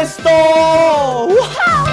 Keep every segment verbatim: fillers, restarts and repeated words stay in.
สโตว้าว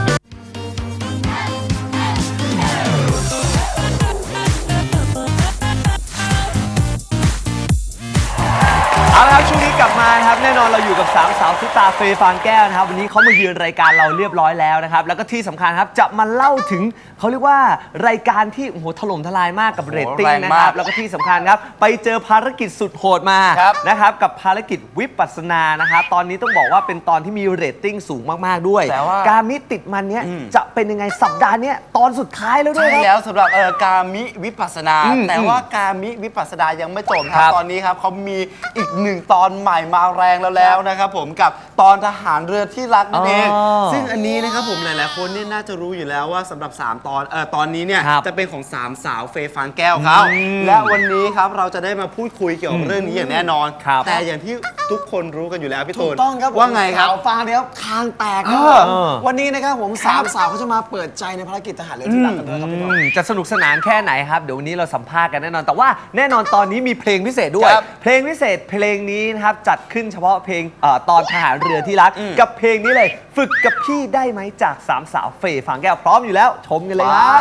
เอาละครับช่วงนี้กลับมาครับแน่นอนเราอยู่กับสามสาวซุปตาเฟย์ฟางแก้วนะครับวันนี้เขามาเยือนรายการเราเรียบร้อยแล้วนะครับแล้วก็ที่สำคัญครับจะมาเล่าถึงเขาเรียกว่ารายการที่โอ้โหถล่มทลายมากกับเรตติ้งนะครับแล้วก็ที่สำคัญครับไปเจอภารกิจสุดโหดมานะครับกับภารกิจวิปัสสนานะครับตอนนี้ต้องบอกว่าเป็นตอนที่มีเรตติ้งสูงมากๆด้วยการมิติดมันเนี้ยจะเป็นยังไงสัปดาห์นี้ตอนสุดท้ายแล้วด้วยครับใช่แล้วสำหรับเอ่อการมิวิปัสสนาแต่ว่าการมิวิปัสสนายังไม่จบครับตอนนี้ครับเขามีอีกหนึ่งตอนใหม่มาแรงแล้วแล้วนะครับผมกับตอนทหารเรือที่รักนั่นเองซึ่งอันนี้นะครับผมหลายๆคนนี่น่าจะรู้อยู่แล้วว่าสำหรับสามตอนเอ่อตอนนี้เนี่ยจะเป็นของสามสาวเฟย์ฟางแก้วเขาและวันนี้ครับเราจะได้มาพูดคุยเกี่ยวกับเรื่องนี้อย่างแน่นอนแต่อย่างที่ทุกคนรู้กันอยู่แล้วพี่ตูนต้องครับว่าไงครับสาวฟางเนี่ยคางแตกครับวันนี้นะครับผมสามสาวเขาจะมาเปิดใจในภารกิจทหารเรือที่รักกันด้วยครับพี่ตูนจะสนุกสนานแค่ไหนครับเดี๋ยววันนี้เราสัมภาษณ์กันแน่นอนแต่ว่าแน่นอนตอนนี้มีเพลงพิเศษด้วยเพลงพิเศษเพลงนี้นะครับจัดขึ้นเฉพาะเพลงตอนทหารเรือที่รักกับเพลงนี้เลยฝึกกับพี่ได้ไหมจากสามสาวเฟย์ฟางแก้วพร้อมอยู่แล้วชมกันเลยครับ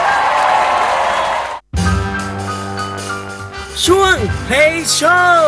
ช่วง Play Show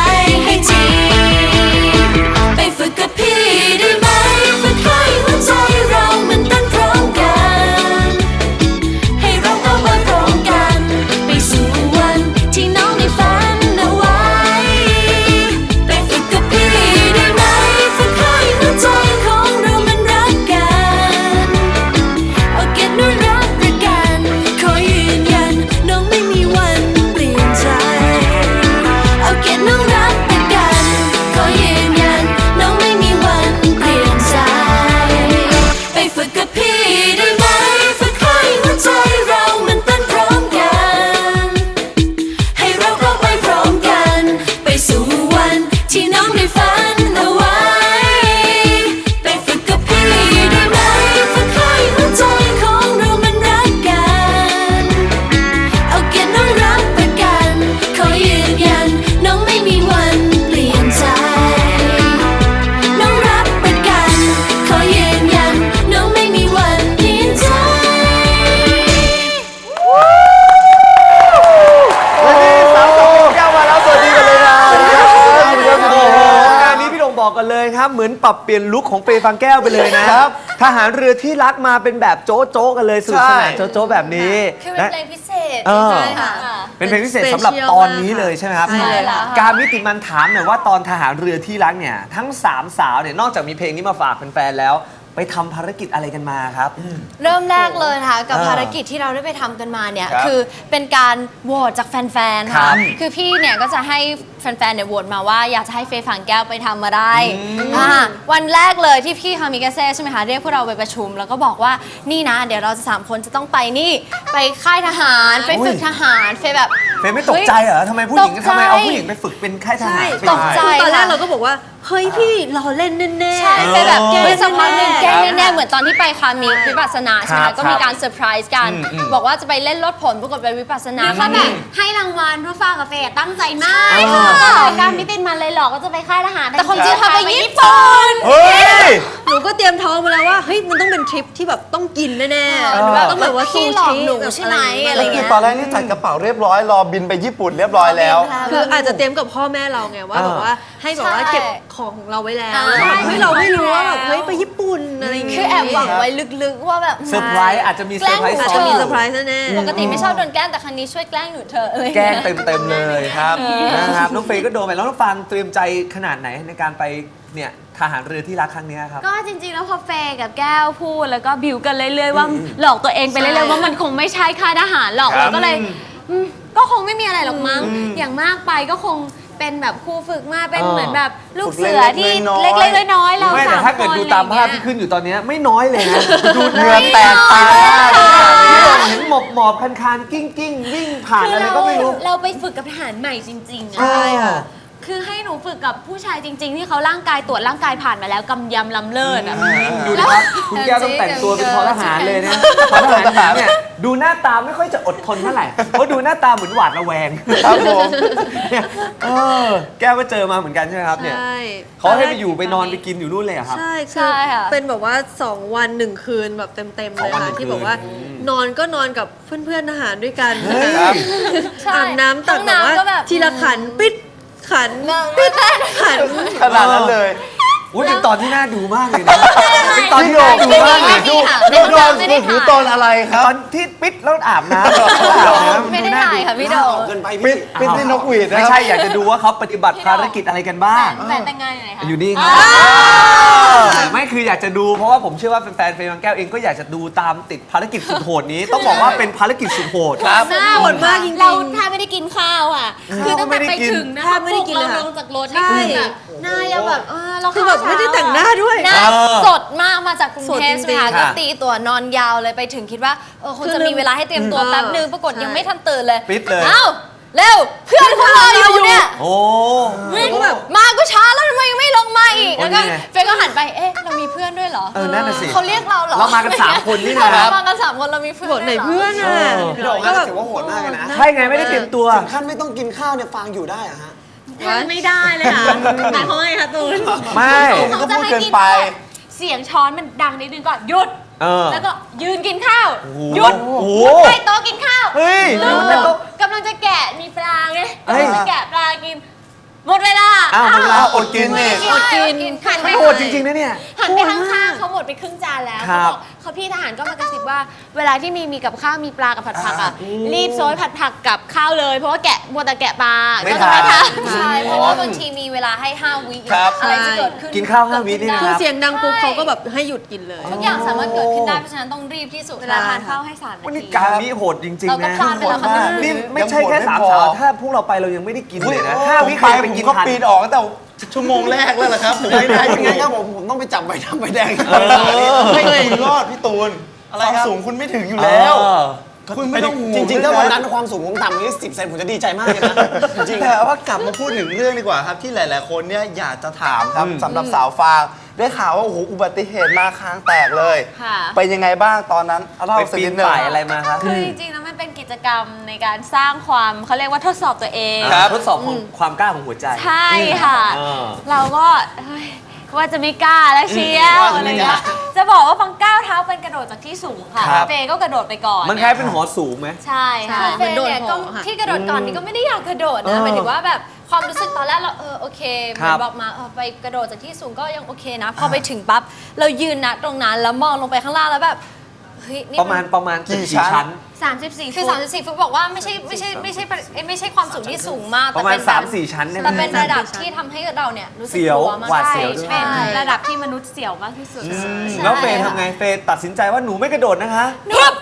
ไปฝึกกับพี่ได้ไหมฝึกให้หัวใจปรับเปลี่ยนลุคของเฟย์ฟางแก้วไปเลยนะครับ ทหารเรือที่รักมาเป็นแบบโจ๊ะโจ๊ะกันเลยสนุกสนานใช่โจ๊ะโจ๊ะแบบนี้คือเป็นนะเพลงพิเศษเออใช่ค่ะเป็นเพลงพิเศษสำหรับตอนนี้เลยใช่ไหมครับใช่แล้วค่ะการมิติมันถามหน่อยว่าตอนทหารเรือที่รักเนี่ยทั้งสามสาวเนี่ยนอกจากมีเพลงนี้มาฝากแฟนๆแล้วไปทำภารกิจอะไรกันมาครับเริ่มแรกเลยนะคะกับเออภารกิจที่เราได้ไปทำกันมาเนี่ยครับคือเป็นการโหวตจากแฟนๆครัค่ะบคือพี่เนี่ยก็จะให้แฟนๆเนี่ยโหวตมาว่าอยากจะให้เฟย์ฝังแก้วไปทำมาได้อ่าวันแรกเลยที่พี่คามิกาเซ่ใช่ไหมคะเรียกพวกเราไปประชุม แล้วก็บอกว่านี่นะ เดี๋ยวเราจะสามคนจะต้องไปนี่ไปค่ายทหารไปฝึกทหารเฟย์แบบเฟย์ไม่ตกใจเหรอทำไมผู้หญิงตกใจทำไมเอาผู้หญิงไปฝึกเป็นค่ายทหารใช่เป็นตกใจยังไงตอนแรกเราก็บอกว่า เฮ้ยพี่เราเล่นแน่ๆใช่ไปแบบเออแกล้งสักพักหนึ่งแกล้งครับแน่ๆเหมือนตอนที่ไปคามิวิปัสสนาใช่ไหมครับคะก็มีการเซอร์ไพรส์กันอืมอืมบอกว่าจะไปเล่นรถผลปรากฏไปวิปัสสนาเขาแบบให้รางวัลเพราะฟ้ากับเฟย์ตั้งใจมากใช่ค่ะการไม่เป็นมันเลยหรอกก็จะไปค่ายทหารแต่ความจริงพาไปญี่ปุ่นเฮ้ยหนูก็เตรียมท้องมาแล้วว่าเฮ้ยมันต้องเป็นทริปที่แบบต้องกินแน่เออๆต้องแบบว่าพี่ซูหลอกชิหนูแบบใช่ไหมอะอะไร ไรอย่างเงี้เงี้ยยตอนแรกนี่จัดกระเป๋าเรียบร้อยรอบินไปญี่ปุ่นเรียบร้อยแล้วคืออาจจะเตรียมกับพ่อแม่เราไงว่าเออแบบว่าให้แบบว่าใช่เก็บของของเราไว้แล้วอ่าเฮ้ยเราไม่รู้ว่าแบบเฮ้ยไปญี่ปุ่นอะไรอย่างเงี้ยคือแอบหวังไว้ลึกๆว่าแบบเซอร์ไพรส์อาจจะมีเซอร์ไพรส์แกล้งหนูอาจซ้อจะนมีอยู่เซอร์ไพรส์แน่ๆปกติไม่ชอบโดนแกล้งแต่ครั้งนี้ช่วยแกล้งหนูเถอะอะไรแกล้เงี้งยเต็มๆเลยครับนะครับน้องเฟย์ก็โดนไปแล้วน้องฟางเตรียมใจขนาดไหนในการไปเนี่ยทหารเรือที่รักครั้งเนี้ยครับก็จริงๆ แล้วพอเฟย์กับแก้วพูดแล้วก็บิวกันเรื่อยๆว่าหลอกตัวเองไปเรื่อยๆว่ามันคงไม่ใช่ค่ายทหารหรอกครับเราก็เลยอืมก็คงไม่มีอะไรหรอกมั้งอย่างมากไปก็คงเป็นแบบครูฝึกมาเป็นเออเหมือนแบบลูกฝึกเสือที่เล็เล็กๆน้อยๆกๆน้อยๆเราไม่แต่สามถ้าเกิดคนดูตามภาพอะไรอที่ย่งเงี้ยขึ้นอยู่ตอนเนี้ยไม่น้อยเลยนะ ดูเหงื่อแตกตาพี่หลงเห็นหมอบหมอบคันคานกิ้งกิ้งวิ่งผ่านคืออะไรเราก็ไม่รู้เราไปฝึกกับทหารใหม่จริงๆอะใช่ค่ะคือให้หนูฝึกกับผู้ชายจริง ๆ ที่เขาร่างกายตรวจร่างกายผ่านมาแล้วกำยำลำเลิศอะดูนะครับ คุณแก้วต้องแต่งตัวเป็นพลทหารเลยนะพลทหารเนี่ยดูหน้าตาไม่ค่อยจะอดทนเท่าไหร่เพราะดูหน้าตาเหมือนหวาดระแวงครับผมเนี่ยเออแก้วก็เจอมาเหมือนกันใช่ไหมครับเนี่ยใช่เขาให้ไปอยู่ไปนอนไปกินอยู่นู่นเลยเหรอครับใช่ใช่ค่ะเป็นแบบว่าสองวันหนึ่งคืนแบบเต็มๆสเลองยวันหนึ่ค่ะงที่คืนบอกว่า นอนก็นอนกับเพื่อนๆทหารด้วยกันเฮ้ยนะคะใช่อาบน้ำตักห้องแบบว่าน้ำก็แบบทีละขันปิดขันปิดได้ขันขนาดนั้นเลยอุ้ยเป็นตอนที่น่าดูมากเลยนะเป็นตอนที่น่าดูมากเลยดูดูโดนดูตอนอะไรครับตอนที่ปิดแล้วอาบน้ำไม่ได้ถ่ายค่ะพี่โดออกเกินไปปิพี่ดปิดในนกหวีดนะไม่ครับใช่อยากจะดูว่าเขาปฏิบัติภารกิจอะไรกันบ้างแฟนแต่งงานอยู่ไหนคะอยู่นี่ครับไม่คืออยากจะดูเพราะว่าผมเชื่อว่าแฟนๆเฟย์บางแก้วเองก็อยากจะดูตามติดภารกิจสุดโหดนี้ ต้องบอกว่าเป็นภารกิจสุดโหดครับหน้าโหดมากจริงๆเราแทบไม่ได้กินข้าวอ่ะ คือตั้งแต่ไปถึงนะแทบไม่ได้กินเลยเราค่ะลงจากรถนี่คือแบบหน้ายังแบบเออเราคือแบบไม่ได้แต่งหน้าด้วยหน้าเออสดมากมาจากกรุงสดเทพจริงๆใช่ไหมคะค่ะก็ตีตัวนอนยาวเลยไปถึงคิดว่าเออคงจะมีเวลาให้เตรียมตัวอืมแป๊บนึงปรากฏใช่ยังไม่ทันตื่นเลยปิดเลยเอ้าเร็วเพื่อนเขารออยู่เนี่ยโอ้วิ่งมาก็ช้าแล้วทำไมยังไม่ลงมาอีกโอ้แล้วก็นี่ไงเฟยก็หันไปเอ๊ะเรามีเพื่อนด้วยเหรอเออนั่นน่ะสิเขาเรียกเราเหรอเรามากันสามคนนี่นะเรามากันสามคนเรามีเพื่อนบอกไหนด้วยรเพื่อนอ่ะพี่โด่งก็น่าแบจะบถือว่าโหดมากเลยนะใช่ไงไม่ได้เตรียมตัวถึงขั้นไม่ต้องกินข้าวเนี่ยฟางอยู่ได้อะฮะไม่ได้เลยค่ะหมายความว่าไงคะตูนไม่ก็พูดเกินไปเสียงช้อนมันดังนิดนึงก่อนหยุดเออแล้วก็ยืนกินข้าวโอ้โหหยุดโอ้โหใต้โต๊ะกินข้าวเฮ้ยแล้วแล้วก็กำลังจะแกะมีปลาไงเฮ้ยกำลังจะแกะปลากิน หมดเวลาอ้าวหมดเวลาอดกินไม่นี่ได้อดกินหันไปไม่โหดจริงๆนะเนี่ยหันไปข้างๆเขาหมดไปครึ่งจานแล้วครัเขาบบอกเขาพี่ทหารก็มากระซิบว่า เวลาที่มีมีกับข้าวมีปลากับผัดผักอ่ะรีบโซยผัดผักกับข้าวเลยเพราะว่าแกะมัวแต่แกะปลาไม่ก็จะไม่ทัทันนใช่เพราะว่าบางทีมีเวลาให้ห้าวิครับอะไรจะเกิดขึ้นกินข้าวห้าวินี่นะคืคอรับเสียงดังปุ๊บเขาก็แบบให้หยุดกินเลยทุกอย่างสามารถเกิดขึ้นได้เพราะฉะนั้นต้องรีบที่สุดเวลาทานข้าวให้สามนาวันนี้ทีการนี้โหดจริงเราๆก็นะพลาดไปแล้วค่ะนี่ไม่ใช่แค่สามสาว ถ้าพวกเราไปเรายังไม่ได้กินเลยนะห้าวิผมใครไปไปผมกินก็ทันปีนออกตั้งแต่ชั่วโมงแรกแล้วล่ะครับผมไม่ได้ไม่อยู่งั้นครับผมผมต้องไปจับใบดำใบแดงไม่คุณรอดพี่ตูนความสูงคุณไม่ถึงอยู่แล้วเออคุณไม่ต้องห่วจงริงๆ ถ้าวันนั้นความสูงผมต่ำนี้สิบเซนผมจะดีใจมากเลยนะจริงๆแต่ว่ากลับมาพูดถึงเรื่องดีกว่าครับที่หลาย ๆ คนเนี่ยอยากจะถามครับอืมสำหรับสาวฟางได้ข่าวว่าโอ้โหอุบัติเหตุมาคางแตกเลยค่ะเป็นยังไงบ้างตอนนั้นเล่าไปสักปีนินดหนึงป่ายอะไรมาครับคือจริงๆแล้วมันเป็นกิจกรรมในการสร้างความเขาเรียกว่าทดสอบตัวเองครับทดสอบของความกล้าของหัวใจใช่ค่ะเออเราก็เฮ้ยว่าจะไม่กล้าแล้วเชียวว่าจะอะไรไม่เงี้กล้ายจะบอกว่าฟังก้าวเท้าเป็นกระโดดจากที่สูงค่ะครับเฟย์ก็กระโดดไปก่อนมันคล้ายเป็นหอสูงไหมใช่ค่ะใช่เฟย์เนี่ยเหมือนโดนก็หอค่ะที่กระโดดก่อนนี่ก็ไม่ได้อยากกระโดดเอนะอหมายถึงว่าแบบความรู้สึกตอนแรกเราเออโอเคเหครัมือบ นบอกมาเออไปกระโดดจากที่สูงก็ยังโอเคนะ พอไปถึงปั๊บเรายืนนะตรงนั้นแล้วมองลงไปข้างล่างแล้วแบบเฮ้ยนี่ประมาณประมาณกี่ชั้นสามสิบสี่คือสามสิบสี่ฟุตบอกว่าไม่ใช่ไม่ใช่ไม่ใช่เอ้ยไม่ใช่ความสูงที่สูงมากประมาณแต่เป็นแบบสามสี่ชั้นได้ไหมแต่เป็นระดับที่ทำให้เราเนี่ยรู้สึกเสียวกลัวมากหวาดใช่เสียวด้วยใช่เป็นระดับที่มนุษย์เสี่ยวมากที่สุดแล้วเฟย์ทำไงเฟย์ตัดสินใจว่าหนูไม่กระโดดนะคะหนูแบบ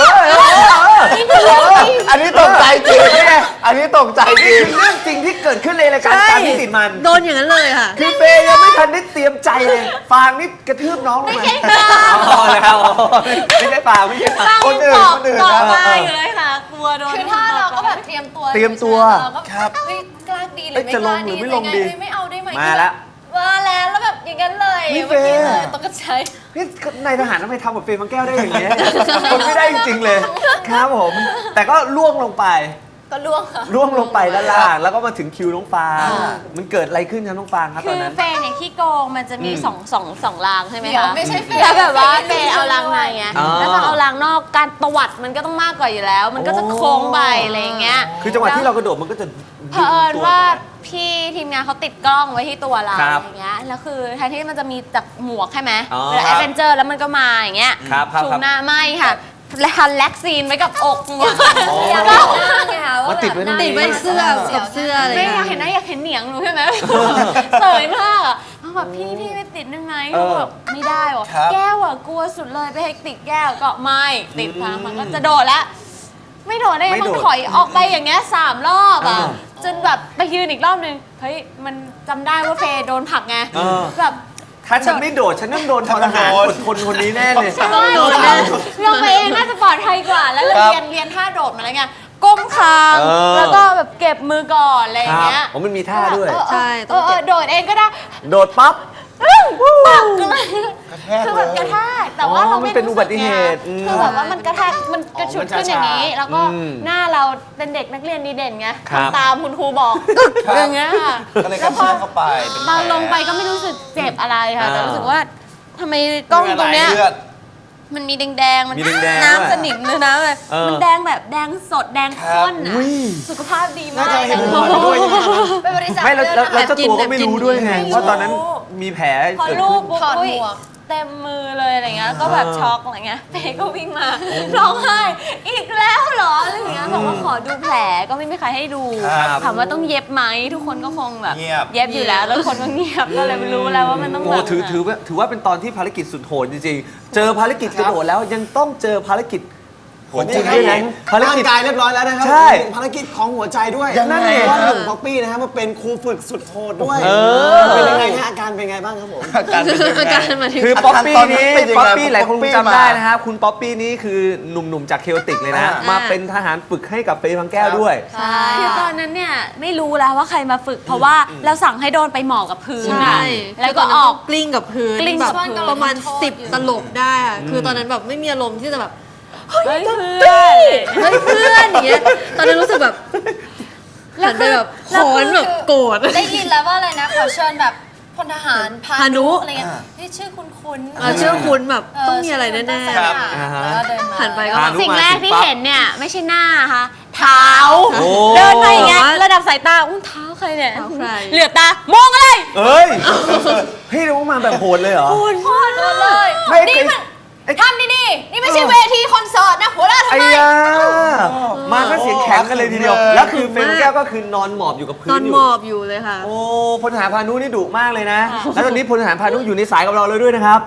อันนี้ตกใจจริงอันนี้ตกใจจริงเรื่องจริงที่เกิดขึ้นในรายการตามที่ติดมันโดนอย่างนั้นเลยค่ะคือเฟย์ยังไม่ทันได้เตรียมใจเลย ฟางนี่กระทืบน้องลงมาอ๋อแล้วไม่ใช่ฟางไม่ใช่ฟางตั้งคนอื่นบอกคนอื่นบอกนะมาอยู่เลยค่ะกลัวโดนคือถ้าเราก็แบบเตรียมตัวเตรียมตัวเราก็ครับเฮ้ยกล้าดีหรือเอ้ยไม่จะกลล้างหรืดีอไม่ลงดียังไงไม่เอาได้ไหมมาแล้วมาแล้วแล้วแบบอย่างนั้นเลยนี่เมื่อกี้เฟย์เลยตกใจพี่นายทหารทำไมทำกับเฟย์บางแก้วได้อย่างเงี้ยคนไม่ได้จริงๆเลย ครับผม แต่ก็ล่วงลงไปก็ล่วงค่ะล่วงลงไปด้านล่าง แล้วก็มาถึงคิวน้องฟางมันเกิดอะไรขึ้นครับน้องฟางครับคืตอนอนั้นเฟย์เนี่ยขี้โกงมันจะมีอืมสองสองสองรางใช่ไหมเดี๋ยวคะไม่ใช่เฟย์แล้วแบบว่าเฟเฟย์ย์เอารางในไงอ๋อแล้วพอเอารางนอกการตวัดมันก็ต้องมากกว่าอยู่แล้ว มันก็จะโค้งไปอะไรอย่างเงี้ยคือจังหวะที่เรากระโดดมันก็จะเผอิญว่าพี่ทีมงานเขาติดกล้องไว้ที่ตัวเราครับอย่างเงี้ยแล้วคือแทนที่มันจะมีจากหมวกใช่ไหมอ๋อเวลาคแอรับดเวนเจอร์แล้วมันก็มาอย่างเงี้ยครับครับชูครับหน้าไม่ค่ะและทันแล็กซีนไว้กับอกหมวกอยากก็เห็นหน้าไงคะว่ามาติดไว้ตรงนี้ติดไว้เสื้อกับเสื้ออะไรไม่อย่างอยากเงี้ยเห็นหน้าอยากเห็นเหนียงหนูใช่ไหม เสยมากอ่ะเขาแบบพี่พี่ไม่ติดได้ไหมหนูแบบไม่ได้หรอครับแก้วอ่ะกลัวสุดเลยไปให้ติดแก้วก็ไม่ติดทางมันก็จะโดดแล้ว ไม่โดดได้ไงไม่มันโดดถอยออกไปอย่างเงี้ยสามรอบอ่ะอ่าจนแบบไปยืนอีกรอบนึงเฮ้ยมันจำได้ว่าเฟย์โดนผลักไงเออแบบถ้าฉันไม่โดด ฉันต้องโดนทรหารอดทนคนนี้แน่เลยฉันว่าโดนนะลงไปเองน่าจะปลอดภัยกว่า แล้วเราครับเรียนเรียนท่าโดดมาแล้วไงก้มคางเออแล้วก็แบบเก็บมือก่อนอะไรอย่างเงี้ยผมมันมีท่าด้วยเออเออใช่เอต้องอเอเก็อบ โดดเองก็ได้โดดปั๊บปักเลยคือแบบกระแทกแต่ว่าอ๋อเรามันไม่เป็นรู้อุสึบักติไงเหตุอืมคือแบบว่ามันกระแทกมันกระฉุดขึ้นอย่างนี้ แล้วก็อืมหน้าเราเป็นเด็กนักเรียนดีเด่นไงครับทำตามคุณครูบอกอย่างเงี้ยค่ะก็เลยกแล้ระวพแทอกเข้าไปเป็นแผตอนลงไปก็ไม่รู้สึกเจ็บอะไรค่ะ แต่อ่ารู้สึกว่าทำไมกล้องตรงเนี้ยเลือดมันมีแดงๆ มันมีแดงๆด้วยน้ำสนิมเลยนะแบบเออมันแดงแบบแดงสดแดงข้นอุ้อ่ะยสุขภาพดีมาน่าก จะเห็นหมอด้วยใช่ไหมครับเป็นบริษัทไม่แล้วแล้วแล้วเลือดเจ้าตัวก็ไม่รู้ด้วยไงไม่รู้ว่าตอนนั้นมีแผลพอเกิดลูขึ้กนปุ๊บถอดอุ้ยหมวกเต็มมือเลยอะไรเงี้ยก็แบบเออช็อกอะไรเงี้ยเฟย์ก็วิ่งมาร้องไห้อีกแล้วเหรออะไรเงี้ยบอกว่าขอดูแผลก็ไม่มีใครให้ดูครับถามว่าต้องเย็บไหมทุกคนก็คงแบบเงียบเย็บอยู่แล้วแล้วคนก็เงียบก็เลยไม่รู้แล้วว่ามันต้องโอ้แบบถือถือว่าถือว่าเป็นตอนที่ภารกิจสุดโหดจริงๆ เจอภารกิจกระโดดแล้วยังต้องเจอภารกิจโหดจริงด้วยนะภารร่างกิจกายเรียบร้อยแล้วนะครับใช่ภารกิจของหัวใจด้วยยังไงเพราะว่าหนุ่มป๊อปปี้นะฮะมาเป็นครูฝึกสุดโหดด้วยเออเป็นยังไงฮะอาการเป็นไงบ้างครับผมอาการเป็นยังไงอาการมาถึงคือป๊อปปี้ตอนนี้นี้เป็นยังไงป๊อปปี้หลายคนป๊อปปี้จำได้มานะครับคุณป๊อปปี้นี้คือหนุ่มๆจากเคโอติกเลยนะอ่ามมาเป็นทหารฝึกให้กับเฟย์บางแก้วด้วยใช่คือตอนนั้นเนี่ยไม่รู้แล้วว่าใครมาฝึก เพราะว่าเราสั่งให้โดนไปหมอบกับพื้นใช่อะแล้วก็ออกกลิ้งกับพื้นกลิ้งแบบกับพื้นประมาณสิบตลบได้อะคือตอนนั้นแบบไม่มีอารมณ์ที่จะแบบเฮ้ยเพื่อนเฮ้ยเพื่อนอย่างเงี้ยตอนนั้นรู้สึกแบบหันไปแบบขอนแบบโกรธได้ยินแล้วว่าอะไรนะขอเชิญแบบพลทหารพานุอะไรเงี้ยนี่ชื่อคุ้นๆอ่ะเชื่อคุณแบบเต้องมีอะไรแน่ครับอ่าฮะแล้วเดินมาหันไปก็พานุสิ่งแรกที่มาถึงปั๊บเห็นเนี่ยไม่ใช่หน้าค่ะเท้าโอ้เดินไปอย่างเงี้ยระดับสายตาอุ้งเท้าใครเนี่ยเท้าใครเหลือบตามองอะไรเอ้ยเฮ้ยเรามาแบบโหดเลยเหรอโคตรเลยไม่เคยนี่มันทำดีๆนี่ไม่ใช่เวทีคอนเสิร์ตนะหัวเราะทำไอ้ไมยามาก็เสียงแข็งกันเลยทีเดียวเลยแล้วคือเฟย์บางแก้วก็คือนอนหมอบอยู่กับพื้นอนนอยู่หมอบอยู่เลยค่ะโอ้พลทหารพานุนี่ดุมากเลยนะ แล้วตอนนี้พลทหารพานุอยู่ในสายกับเราเลยด้วยนะครับ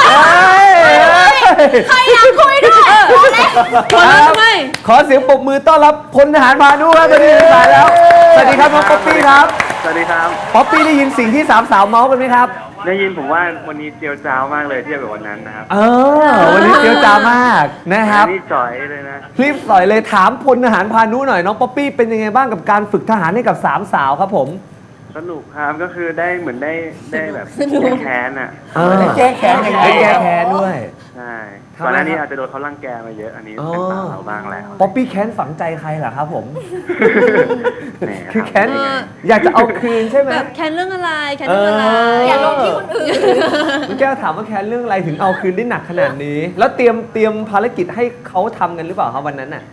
ใครอยากคุยด้วยพลทำไมขอเสียงปรบมือต้อนรับพลทหารพานุครับตอนนี้อยู่ในสายแล้ว สวัสดีครับน้องป๊อปปี้ครับสวัสดีครับป๊อปปี้ได้ยินสิ่งที่สามสาวเมาส์กันไหมครับได้ยินผมว่าวันนี้เจียวจ้าวมากเลยเทียบกับวันนั้นนะครับเออ วันนี้เจียวจ้ามากนะครับอันนี่จ่อยเลยนะรีบสอยเลยถามพลทหารพานุหน่อยน้องป๊อปปี้เป็นยังไงบ้างกับการฝึกทหารให้กับสามสาวครับผมสนุกครับก็คือได้เหมือนได้ได้แบบแก้แค้นอ่ะเออได้แก้แค้นได้แก้แค้นด้วยใช่ทำไมก่อนหน้านี้ครับอาจจะโดนเขารังแกมาเยอะ อันนี้อ๋อเป็นสาวเราบ้างแล้วป๊อปปี้แค้นฝังใจใครเหรอครับผมแหมคือแค้นทำได้ไงอยากจะเอาคืนใช่ไหมแบบแคนเรื่องอะไรแคนเรื่องอะไรเอออย่าลงที่คนอื่นคุณแก้วถามว่าแค้นเรื่องอะไรถึงเอาคืนได้หนักขนาดนี้ แล้วเตรียมเตรียมภารกิจให้เขาทำกันหรือเปล่าครับวันนั้นน่ะ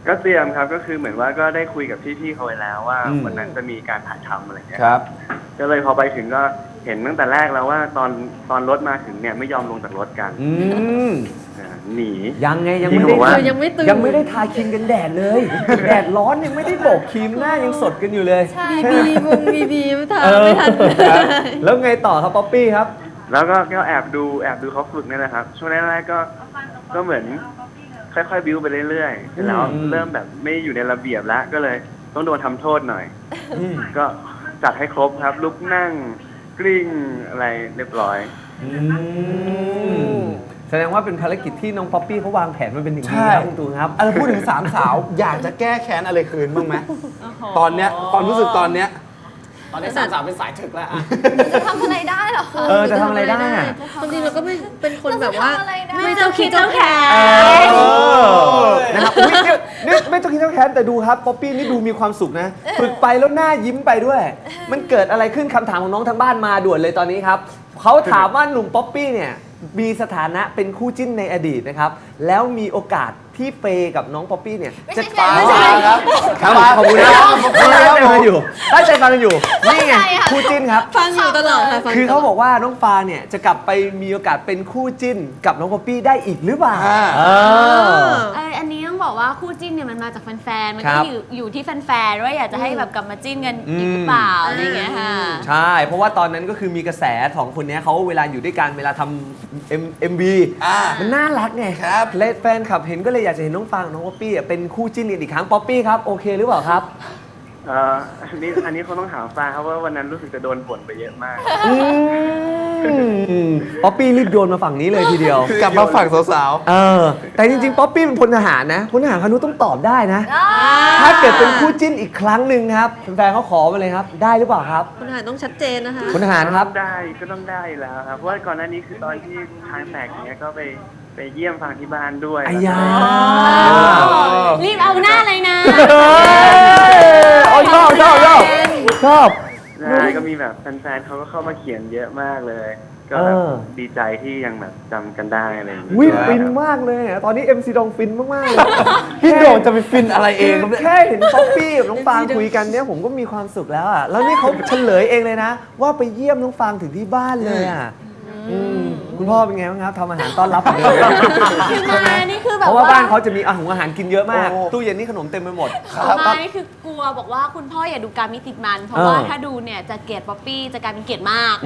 ก็เตรียมครับก็คือเหมือนว่าก็ได้คุยกับพี่ๆเขาไว้แล้วว่าอืมวันนั้นจะมีการถ่ายทำอะไรเงี้ยครับก็เลยพอไปถึงก็เห็นตั้งแต่แรกแล้วว่าตอนตอนรถมาถึงเนี่ยไม่ยอมลงจากรถกันอืมอ่าหนียังไงยังพี่ไม่ก็ได้บอกว่ายังไม่ตื่นยังไม่ได้ทาครีมกันแดดเลย แดดร้อนยังไม่ได้โบกครีมหน้ายังสดกันอยู่เลยบีบีวงบีบีไม่ทันเออไม่ทันแล้วไงต่อครับป๊อปปี้ครับแล้วก็ก็แอบดูแอบดูเขาฝึกนี่แหละครับช่วงแรกๆก็ก็เหมือนค่อยๆบิ้วไปเรื่อยๆเสร็จแล้วอืมเริ่มแบบไม่อยู่ในระเบียบแล้วก็เลยต้องโดนทำโทษหน่อยอืมก็จัดให้ครบครับ ลุกนั่งกลิ้งอะไรเรียบร้อยอืมแสดงว่าเป็นภารกิจที่น้องป๊อปปี้เขาวางแผนมาเป็นอย่างดีใช่ครับคุณตูนครับเออพูดถึงสามสาว อยากจะแก้แค้นอะไรคืนบ้างไหมตอนเนี้ยความรู้สึกตอนเนี้ยตอนนี้สามสาวเป็นสายถึกแล้วอะจะทำอะไรได้เหรอคะเออจะทำอะไรได้อะความจริงเราก็ไม่เป็นคนแบบว่าเราจะทำอะไรได้ไม่เจ้าคิดเจ้าแขนเออนะครับอุ๊ยเนี่ยนี่ไม่ต้องคิดต้องแค้นแต่ดูครับป๊อปปี้นี่ดูมีความสุขนะฝึกไปแล้วหน้ายิ้มไปด้วย มันเกิดอะไรขึ้นคำถามของน้องทางบ้านมาด่วนเลยตอนนี้ครับเขาถามว่าหนุ่มป๊อปปี้เนี่ยมีสถานะเป็นคู่จิ้นในอดีตนะครับแล้วมีโอกาสที่เฟย์กับน้องป๊อปปี้เนี่ยไม่ใช่จะแฟนไม่ใช่ครับครับผมขอบคุณนะครับตั้งใจฟังกันอยู่ตั้งใจฟังกันอยู่นี่ไงเข้าใจค่ะคู่จิ้นครับฟังอยู่ตลอดค่ะฟังคือตลเขาดบอกว่าน้องฟาเนี่ยจะกลับไปมีโอกาสเป็นคู่จิ้นกับน้องป๊อปปี้ได้อีกหรือเปล่าอ่าเออเอออันนี้ต้องบอกว่าคู่จิ้นเนี่ยมันมาจากแฟนๆ มันครัก็บอยู่อยู่ที่แฟนๆ ว่าอยากจะให้แบบกลับมาจิ้นกันอีกหรือเปล่าอะไรอย่างเงี้ยค่ะใช่ เพราะว่าตอนนั้นก็คือมีกระแสของคนเนี้ยเขาเวลาอยู่ด้วยกันเวลาทำเอ็มเอ็มบีอ่ามันน่ารักไงครับและแฟนคลับเห็นก็เลยอยากจะเห็นน้องฟางกับน้องป๊อปปี้อ่ะเป็นคู่จิ้นกันอีกครั้งป๊อปปี้ครับโอเคหรือเปล่าครับเอ่ออันนี้อันนี้เขาต้องถามฟ้าครับว่าวันนั้นรู้สึกจะโดนบ่นไปเยอะมากอืมป๊อปปี้รีบโยนมาฝั่งนี้เลยทีเดียวกลับมาฝั่งสาวเออแต่จริงๆป๊อปปี้เป็นพลทหารนะพลทหารคานุต้องตอบได้นะ ถ้าเกิดเป็นคู่จิ้นอีกครั้งหนึ่งครับแฟนๆเขาขอมาเลยครับ ได้หรือเปล่าครับคุณทหารต้องชัดเจนนะคะพลทหารครับได้ก็ต้องได้อยู่แล้วครับเพราะว่าก่อนหน้านี้คือตอนที่ทางแตกเนี้ยก็ไปไปเยี่ยมฟังที่บ้านด้วยไอ้ยารีบเอาหน้าเลยนะเอ้ยชอบชอบชอบชอบใช่ก็มีแบบแฟนๆเขาก็เข้ามาเขียนเยอะมากเลย ก็แบบเออดีใจที่ยังแบบจำกันได้อะไรอย่างเงี้ยวิด้วยฟินครับมากเลยอะตอนนี้ เอ็ม ซี ดองฟินมากๆเลยๆ พี่โด่งจะไปฟินอะไรเองครับเนี่ยแค่เห็นป๊อปปี้กับน้องฟางคุยกันเนี่ยผมก็มีความสุขแล้วอ่ะแล้วนี่เขาเฉลยเองเลยนะ ว่าไปเยี่ยมน้องฟางถึงที่บ้านเลยอ่ะอืมคุณพ่อเป็นไงบ้างครับทำอาหารต้อนรับเหมือนเดิมคือมานี่คือแบบเพราะว่าบ้านเขาจะมีอาหารอาหารกินเยอะมากโอ้ตู้เย็นนี่ขนมเต็มไปหมดมานี่คือกลัวบอกว่าคุณพ่ออย่าดูการมิติดมัน เพราะเออว่าถ้าดูเนี่ยจะเกลียดป๊อปปี้จะกลายเป็นเกลียดมาก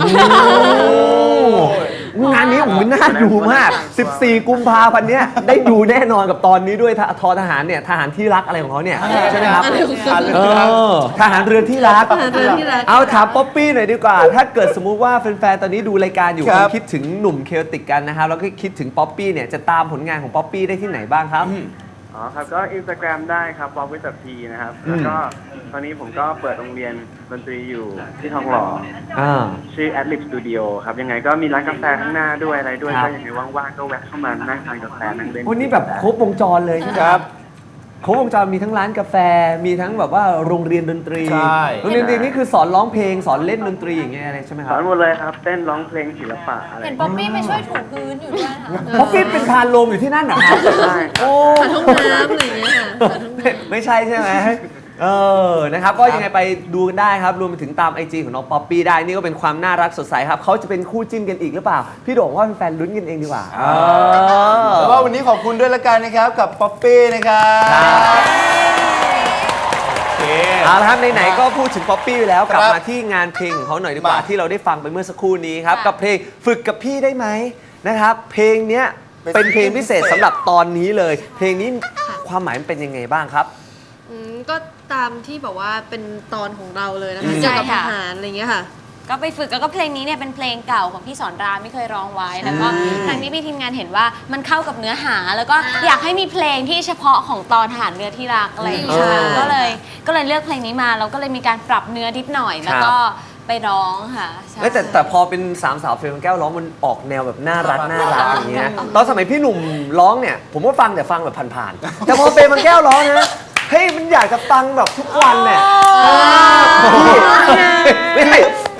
งานนี้โอ้โหน่าดูมาก สิบสี่ กุมภาพันธ์เนี้ยได้ดูแน่นอนกับตอนนี้ด้วยทททหารเนี่ยทหารที่รักอะไรของเขาเนี่ยใช่ไหมครับอะไรของเขาเออทหารเรือที่รักทหารเรือที่รักเอาถามป๊อปปี้หน่อยดีกว่า ถ้าเกิดสมมุติว่าแฟนๆตอนนี้ดูรายการอยู่ครับคงคิดถึงหนุ่มเคลติกกันนะครับแล้วก็คิดถึงป๊อปปี้เนี่ยจะตามผลงานของป๊อปปี้ได้ที่ไหนบ้างครับอ๋อครับก็อินสตาแกรมได้ครับป๊อปวิตพีนะครับแล้วก็ตอนนี้ผมก็เปิดโรงเรียนดนตรีอยู่ที่ทองหล่ออ่าชื่อ Adlib Studio ครับยังไงก็มีร้านกาแฟข้างหน้าด้วยอะไรด้วยครับก็ยังไงว่างๆก็แวะเข้ามานั่งทานกาแฟนั่งเล่นวันนี้แบบครบวงจรเลยใช่ไหมครับครบวงจรมีทั้งร้านกาแฟ มีทั้งแบบว่าโรงเรียนดนตรีใช่โรงเรียนดนตรีนี่คือสอนร้องเพลงสอนเล่นดนตรีอย่างเงี้ยอะไรใช่ไหมคสรัอบ นหมดเลยครับ เต้นร้องเพลงศิลปะอะไรเห็นป๊อปปี้ไปช่วยถูพื้นอยู่ด้วยค่ะป๊อปปี้เป็นพานโลมอยู่ที่นั่นเหรอครับใช่ครับโอ้หาห้องน้ำอะไรอย่างเงี้ยค่ะหาห้องน้ำไม่ใช่ใช่ไหมเออนะครับก็ยังไงไปดูกันได้ครับรวมไปถึงตาม ไอ จี ของน้องป๊อปปี้ได้นี่ก็เป็นความน่ารักสดใสครับเขาจะเป็นคู่จิ้นกันอีกหรือเปล่า พี่โด่งว่าแฟนๆลุ้นกันเองดีกว่าเออแต่ว่าวันนี้ขอบคุณด้วยละกันนะครับกับป๊อปปี้นะครับ โอเคเอาละครับไหนๆก็พูดถึงป๊อปปี้แล้วกลับครับมาที่งานเพลงของเขาหน่อยดีกว่ามาที่เราได้ฟังไปเมื่อสักครู่นี้ครับค่ะกับเพลงฝึกกับพี่ได้ไหมนะครับ เพลงเนี้ยเป็นเป็นเพลงพิเศษพิเศษสำหรับตอนนี้เลย เพลงนี้ความหมายมันเป็นยังไงบ้างครับอืมก็ตามที่แบบว่าเป็นตอนของเราเลยนะคะอืมเกี่ยวกับใช่ทค่ะหารอะไรอย่างเงี้ยค่ะก็ไปฝึกแล้วก็เพลงนี้เนี่ยเป็นเพลงเก่าของพี่สอนรามไม่เคยร้องไว้แล้วก็ทางนี้พี่ทีมงานเห็นว่ามันเข้ากับเนื้อหา แล้วก็อยากให้มีเพลงที่เฉพาะของตอนทหารเรือที่รักอะไรอย่างเงี้ยอืมก็เลยก็เลยเลือกเพลงนี้มาแล้วก็เลยมีการปรับเนื้อนิดหน่อย แล้วก็ไปร้องค่ะใช่เอ้ยแต่แต่พอเป็นสามสาวเฟรมแก้วร้องมันออกแนวแบบน่ารักน่ารักอย่างเงี้ยตอนสมัยพี่หนุ่มร้องเนี่ย ผมก็ฟังแต่ฟังแบบผ่านๆแต่พอเฟรมแก้วร้องนะเฮ้ยมันอยากจะฟังแบบทุกวันเนี่ยพี่ไม่ใช่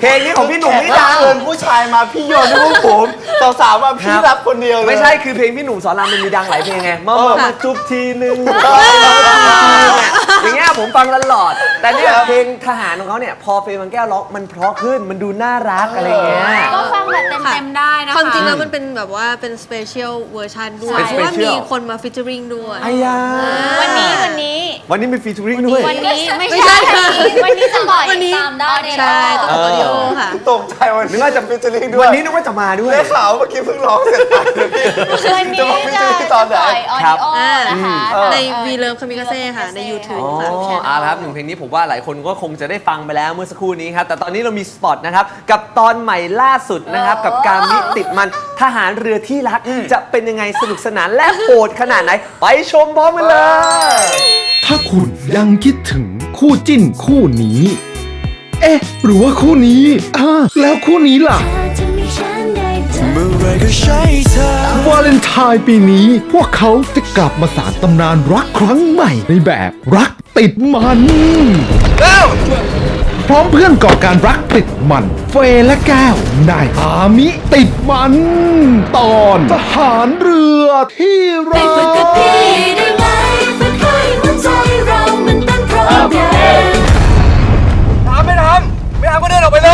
เพลงนี้ของพี่หนุ่มแขนี่กดัรับงเชิญผู้ชายมาพี่โยนให้พวกผมสาวๆมาพี่รับคนเดียวเลยไม่ใช่คือเพลงพี่หนุ่มสอนรามมันมีดังหลายเพลงไงมามามาจุบทีนึงอย่างเงี้ยผมฟังตลอด แต่เนี่ยเพลงทหารของเขาเนี่ยพอเฟย์บางแก้วร้องมันเพราะขึ้นมันดูน่ารักอะไรเงี้ยก็ฟังแบบเต็มๆได้นะคะความจริงแล้วมันเป็นแบบว่าเป็นสเปเชียลเวอร์ชันด้วยเป็นเพราะว่า special มีคนมาฟิชเจอริงด้วยไอ้ยาวันนี้วันนี้วันนี้มีฟีเจอริ่งด้วยวันนี้ไม่ไม่ใช่ใช่วันนี้จะปล่อยวันนี้ตามได้ในใช่ต้องเออออดิโอค่ะตกใจวันนึกว่าจะฟิชเชอร์ลิงด้ววัยนนี้นึกว่าจะมาด้วยได้ข่าวเมื่อกี้เพิ่งร้องเสร็จไปเลยพี่วันนี้จะบอกฟิชจะเชอร์ลิงตอนไหนปล่อยออครัดิบโอนะคะในทางวีเลิฟคามิกาเซ่ค่ะ ใน YouTube อ๋อค่ะเอาละครับหนึ่งเพลงนี้ผมว่าหลายคนก็คงจะได้ฟังไปแล้วเมื่อสักครู่นี้ครับ แต่ตอนนี้เรามีสปอตนะครับ กับตอนใหม่ล่าสุดนะครับ กับการมิติดมันทหารเรือที่รัก จะเป็นยังไงสนุกสนานและโหดขนาดไหน ไปชมพร้อมกันเลยถ้าคุณยังคิดถึงคู่จิ้นคู่นี้ เอ๊ะ หรือว่าคู่นี้อ่าแล้วคู่นี้ล่ะ เมื่อไรก็ใช่เธอวาเลนไทน์ปีนี้ พวกเขาจะกลับมาสานตำนานรักครั้งใหม่ในแบบรักติดมันพร้อมเพื่อนก่อการรักติดมัน เฟย์และแก้วในอามิติดมัน ตอนทหารเรือที่รักทำไม่ทำไม่ทำก็เดินออกไปเลย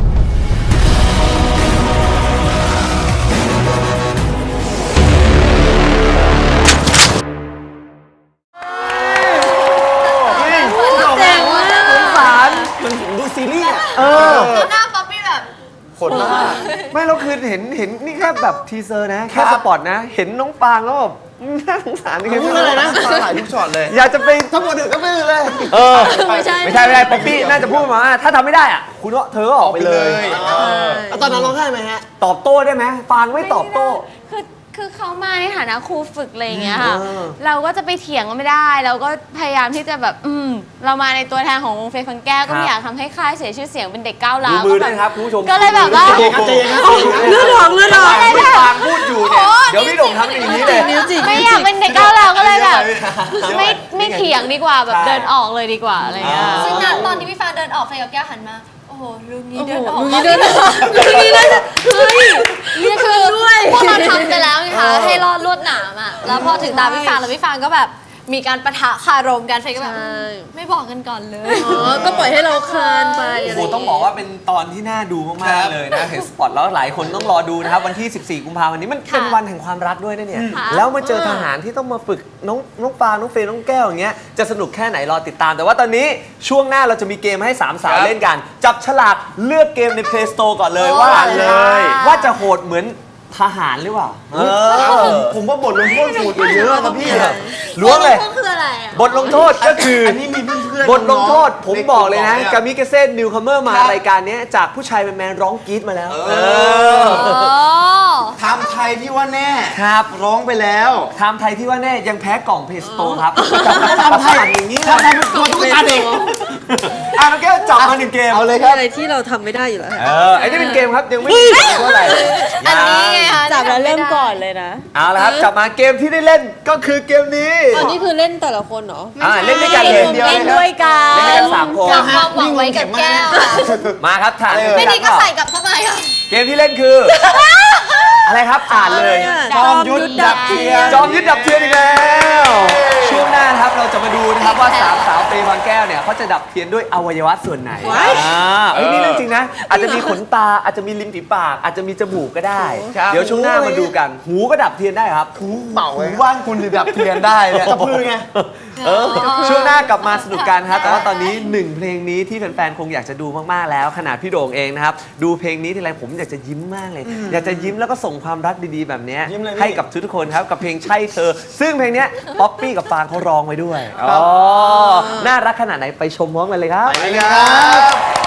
แจ๋งมากสงสารมันดูซีรีส์อะเออหน้าป๊อปปี้แบบขนมากไม่เราคือเห็นเห็นนี่แค่แบบทีเซอร์นะ แค่สปอตนะ เห็นน้องปางแล้วแบบน่าสงสารยังไงพูดอะไรนะตาหลายทุกช็อตเลยอยากจะไปทั้งหมดถึงก็ไม่เลยเออไม่ใช่ไม่ใช่ไม่ใช่ป๊อปปี้น่าจะพูดมาว่าถ้าทำไม่ได้อ่ะ คุณก็เธอก็ออกไปเลยแล้วตอนนั้นร้องไห้ไหมฮะตอบโต้ได้ไหมฟางไม่ตอบโต้คือคือเขามาในฐานะครูฝึกอะไรอย่างเงี้ยค่ะเออเราก็จะไปเถียงก็ไม่ได้ เราก็พยายามที่จะแบบอืมเรามาในตัวแทนของวงเฟย์ฟังแก้วก็ไม่อยากทำให้ค่ายเสียชื่อเสียงเป็นเด็กก้าวดูร้าวมือก็ด้วยนะครับคุณผู้ชมก็เลยแบบว่าใจเย็นครับใจเย็นครับเลือดออกเลือดออกที่ฟางพูดอยู่เนี่ย เดี๋ยวพี่โด่งทำอย่างนี้เลยนิ้วจิกไม่อยากเป็นเด็กก้าวร้าวก็เลยแบบไม่ไม่เถียงดีกว่าแบบเดินออกเลยดีกว่าอะไรเงี้ยซึ่งนั้นตอนที่พี่ฟ้าเดินออกเฟย์กับแก้วหันมา โอ้โหลุงนี้เดินออกลุงนี้เดินออกลุงนี้เดินออกเฮ้ยนี่คือพวกเราทำไปแล้วไงคะให้รอดลวดหนามอ่ะ แล้วพอถึงตาพี่ฟ้าแล้วพี่ฟ้าก็แบบมีการปะทะคารมกันเฟย์ก็แบบใช่ไม่บอกกันก่อนเลยอ๋อ ก็ปล่อยให้เราคลานไปโอ้อะไรโหต้องบอกว่าเป็นตอนที่น่าดูมากๆเลยนะเห็นสปอตแล้วหลายคนต้องรอดูนะครับ วันที่ สิบสี่ กุมภาพันธ์นี้มันเป็นค่ะวันแห่งความรักด้วยนะเนี่ยค่ะแล้วมาเจอทหารที่ต้องมาฝึกน้องน้องปางน้องเฟย์น้องแก้วอย่างเงี้ยจะสนุกแค่ไหนรอติดตาม แต่ว่าตอนนี้ช่วงหน้าเราจะมีเกมให้สามสาวเล่นกัน จับฉลากเลือกเกมใน Play Store ก่อนเลยว่าเลยว่าจะโหดเหมือนทหารหรือเปล่าเออผมว่าบทลงโทษสูตรเยอะนะพี่ล้วงเลยก็คืออะไรอ่ะบทลงโทษก็คืออันนี้มีเพื่อนๆบทลงโทษผมบอกเลยนะในกกาลุ่มมิเกเซ่นิวคัมเมอร์มาครับรายการเนี้ยจากผู้ชายเป็นแมนร้องกรี๊ดมาแล้วเออเอออ๋อทำไทยที่ว่าแน่ครับร้องไปแล้วไทม์ไทยที่ว่าแน่ยังแพ้กล่องเพสโตครับทำไทยอย่างนี้ทำไทยเป็นตัวตุ๊กตาเด็กอ่ะน้องแก้วจับมาหนึ่งเกมเอาเลยคมีรับอะไรที่เราทำไม่ได้อยู่แล้วเออไอ้นี่เป็นเกมครับยังไม่มีเท่าไหร่อันนี้ไงคะจับแล้วเริ่มก่อนเลยนะเอาละครับจับมาเกมที่ได้เล่นก็คือเกมนี้อันนี้คือเล่นแต่ละคนเหรออ่าเล่นด้วยกันเลยเดียวเล่นด้วยกัเล่นด้วยกัน นสามคนฝากความหวังไว้กับแก้วค่ะมาครับถามไม่ดีก็ใส่กลับเข้าไปค่ะเกมที่เล่นคือ อะไรครับอ่านเลยจอมยุทธดับเทียนจอมยึดดับเทียนอีกแล้วช่วงหน้านะครับเราจะมาดูนะครับว่าสามสาวเฟย์บางแก้วเนี่ยเขาจะดับเทียนด้วยอวัยวะส่วนไหนอ่าเอ้ยนี่เรื่องจริงนะ อาจจะมีขนตาอาจจะมีริมฝีปาก อาจจะมีจมูกก็ได้ครับเดี๋ยวช่วงหน้ามาดูกัน หูก็ดับเทียนได้ครับเป่าหูบ้านคุณจะดับเทียนได้เนี่ยกระพือไงเออช่วงหน้ากลับมาสนุกกันครับแต่ว่าตอนนี้หนึ่งเพลงนี้ที่แฟนๆคงอยากจะดูมากๆแล้วขนาดพี่โด่งเองนะครับดูเพลงนี้ทีไรผมอยากจะยิ้มมากเลย อยากจะยิ้มแล้วก็ส่งความรักดีๆแบบเนี้ยยิ้มเลยพี่ให้กับทุกๆคนครับกับเพลงใช่เธอ ซึ่งเพลงเนี้ยป๊อปปี้กับฟางเขาร้องไว้ด้วยอ๋อน่ารักขนาดไหนไปชมพร้อมกันเลยครับไปเลยครับ